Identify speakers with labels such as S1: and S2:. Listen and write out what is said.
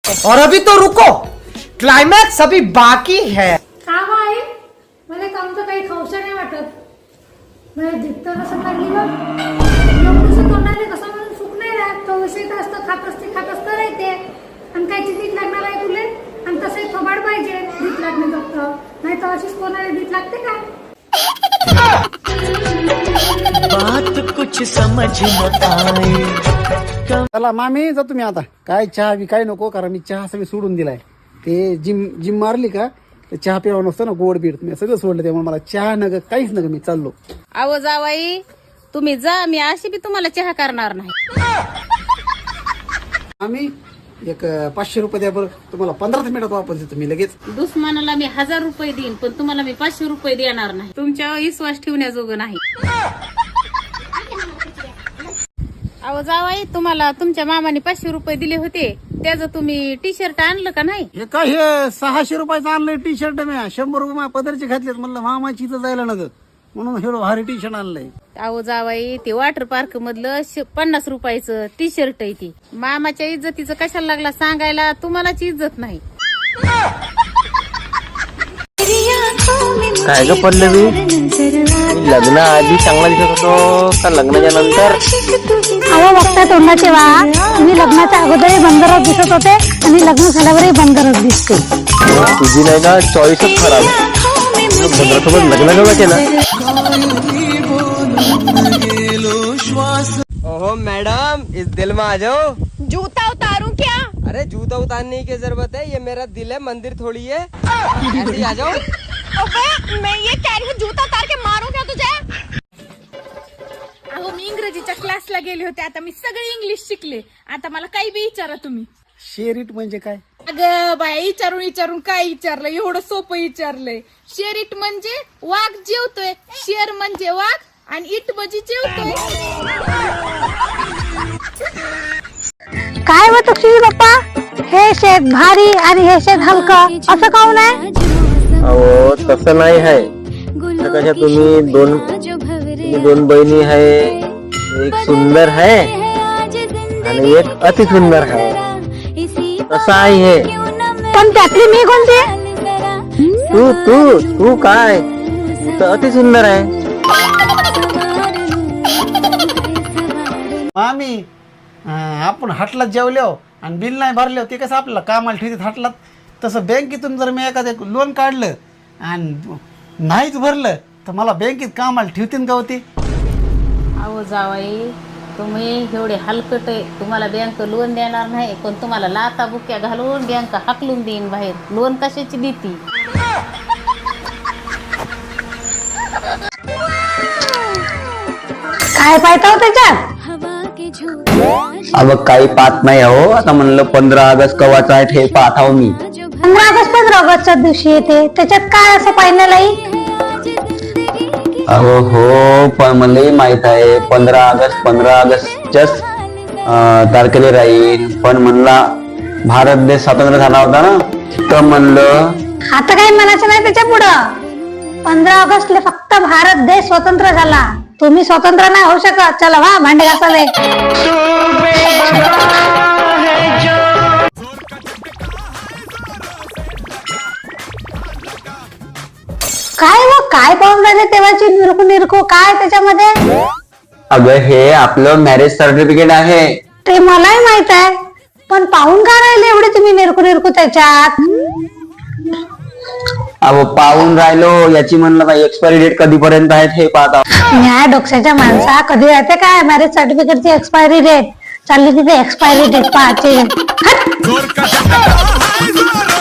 S1: और अभी तो रुको, क्लाइमॅक्स अभी बाकी है.
S2: का गं आई मला कामचं काही खाऊशा नाही वाटत. मला दिसतं कसं लागली बघ. एवढंसं तोंडाने कसं म्हणून सुख नाही राहत. तो उशीत असतं खात असतं राहते. आणि कायची दीट लागणार आहे तुले. आणि तसे थोबाड पाहिजे दीट लागणे फक्त. नाही तर अशीच कोणाला दीट लागते का.
S3: बात कुछ समझ न आए.
S4: चला मामी जा तुम्ही आता. काय चहा बी काय नको, कारण मी चहा सगळी सोडून दिलाय. ते जिम मारली का ते चहा प्यावा नसतं ना, गोड बीड मी सगळं सोडलं. त्यामुळे मला चहा नग काहीच नग, मी चाललो.
S5: अहो जावाई तुम्ही जा, मी अशी बी तुम्हाला चहा करणार नाही.
S4: आम्ही एक 500 रुपये द्या बरं, तुम्हाला 15 मिनिटात वापस देतो मी लगेच.
S5: दुश्मनाला मी 1000 रुपये देईन, पण तुम्हाला मी 500 रुपये देणार नाही. तुमच्यावर विश्वास ठेवण्याजोगं नाही. अहो जावाई तुम्हाला तुमच्या मामाने 500 रुपये दिले होते, त्याचं तुम्ही टी शर्ट आणलं का नाही?
S4: हे काय हे 600 रुपयाचं आणलंय टी शर्ट मी. 100 रुपये माझ्या पदरचे घातलेत. म्हणलं मामाची इथं जायला नग, म्हणून हे भारी टी शर्ट आणलंय.
S5: अहो जावाई ते वॉटर पार्क मधलं 50 रुपयाचं टी शर्ट आहे. ती मामाच्या इज्जतीचं कशाला लागला सांगायला, तुम्हालाच इज्जत नाही.
S6: काय ग पल्लवी, लग्न आधी चांगला दिसत होतो का लग्नाच्या नंतर?
S2: अहो बघता तोंडाचे वा. मी लग्नाच्या अगोदरही बंदरच दिसत होते आणि लग्न झाल्यावरही बंदरच दिसते.
S6: तुझी नाही का चॉईसच खराब. बंदरासोबत लग्न केव्हा केलं?
S7: ओहो मैडम, इस दिल में आ जाओ.
S8: जूता उतारूं क्या?
S7: अरे जूता उतारने की जरूरत है, ये मेरा दिल है, मंदिर थोड़ी है. ऐसे ही आ जाओ.
S8: अबे मैं ये कह रही हूँ, जूता उतार के मारूं क्या तुझे?
S9: अहो मी इंग्रजीच्या क्लासला गेले होते, आता मी सगळे इंग्लिश शिकले. आता मला काही बी विचारा तुम्ही.
S4: शेरीट म्हणजे काय?
S9: अगं बाया विचारून काय विचारलं, एवढं सोपं विचारलंय. शेरीट म्हणजे वाघ जेवतोय, शेर म्हणजे वाघ आणि इट म्हणजे जेवतोय.
S2: काय होत तुझी बाप्पा, हे शेत भारी आणि हे शेत हलकं असं काऊन आहे?
S6: अहो तसं नाही आहे. कशा तुम्ही दोन बहिणी आहे, एक सुंदर आहे आणि एक अति सुंदर आहे. तसं आहे हे.
S2: पण त्यातली मी कोणती?
S6: तू तू तू काय, तर अति सुंदर आहे.
S4: मामी आपण हाटलात जेवलो आणि बिल नाही भरले, ते कसं आपल्याला कामाला ठेवतात हाटलात. तसं बँकेतून जर मी एखादं लोन काढलं आणि नाहीच भरलं तर मला बँकेत कामाला ठेवतील का होते?
S5: अहो जावाई तुम्ही एवढे हलकट आहे, तुम्हाला बँक लोन देणार नाही, पण तुम्हाला लाता बुक्या घालून बँक हाकलून देईन बाहेर. लोन कशाची देती?
S2: काय पाहता त्याच्यात?
S6: अब काही पाहत नाही हो. आता म्हणलं 15 ऑगस्ट कवाचा आहे हे पाहत आहो मी.
S2: 15 ऑगस्टच्या दिवशी येते, त्याच्यात काय असं पाहिलं नाही?
S6: अहो हो, पण मला माहित आहे 15 ऑगस्टच्याच तारखेला राहील. पण म्हणला भारत देश स्वतंत्र झाला होता ना, तर म्हणलं
S2: आता काही म्हणायचं नाही त्याच्या पुढं. 15 ऑगस्टला फक्त भारत देश स्वतंत्र झाला, तुम्ही स्वतंत्र नाही होऊ शकत. चला वा भांडे घासावे. काय पाहून राहिले तेव्हाची निरखू काय त्याच्यामध्ये?
S6: अगं हे आपलं मॅरेज सर्टिफिकेट आहे.
S2: ते मलाही माहित आहे, पण पाहून का राहिले एवढे तुम्ही निरखू त्याच्यात?
S6: अहो पाहून राहिलो, याची म्हणलं एक्सपायरी डेट कधीपर्यंत आहे हे पाहता.
S2: न्याय डोक्याच्या माणसा, कधी राहते काय मॅरेज सर्टिफिकेटची एक्सपायरी डेट? चालली तिथे एक्सपायरी डेट पाहायची.